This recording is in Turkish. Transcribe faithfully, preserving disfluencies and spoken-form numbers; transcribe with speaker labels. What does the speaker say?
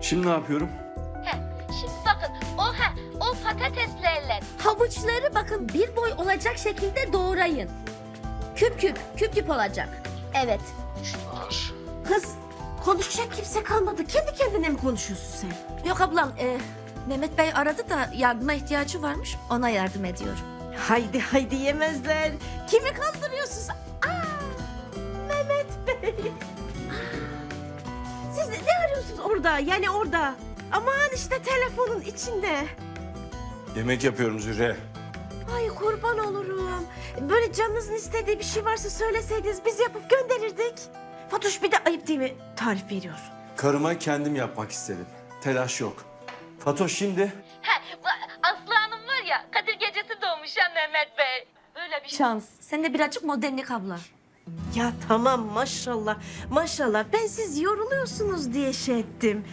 Speaker 1: Şimdi ne yapıyorum?
Speaker 2: Heh, şimdi bakın o ha o patateslerle
Speaker 3: Havuçları bakın bir boy olacak şekilde doğrayın. Küp küp, küp küp olacak. Evet.
Speaker 1: Şunlar.
Speaker 4: Kız konuşacak kimse kalmadı. Kendi kendine mi konuşuyorsun sen?
Speaker 3: Yok ablam, e, Mehmet Bey aradı da yardıma ihtiyacı varmış. Ona yardım ediyorum.
Speaker 4: Haydi haydi yemezler. Kimi kandırıyorsun sen? Aa, Mehmet Bey. Siz ne arıyorsunuz orada? Yani orada. Aman işte telefonun içinde.
Speaker 1: Yemek yapıyorum Zühre.
Speaker 4: Ay kurban olurum. Böyle canınızın istediği bir şey varsa söyleseydiniz biz yapıp gönderirdik. Fatoş bir de ayıp değil mi? Tarif veriyorsun.
Speaker 1: Karıma kendim yapmak istedim. Telaş yok. Fatoş şimdi
Speaker 2: ha Aslı Hanım var ya Kadir gecesi doğmuş ya Mehmet Bey. Böyle bir
Speaker 3: Şans. Sen de birazcık modernlik abla.
Speaker 4: Ya tamam maşallah maşallah ben siz yoruluyorsunuz diye şey ettim.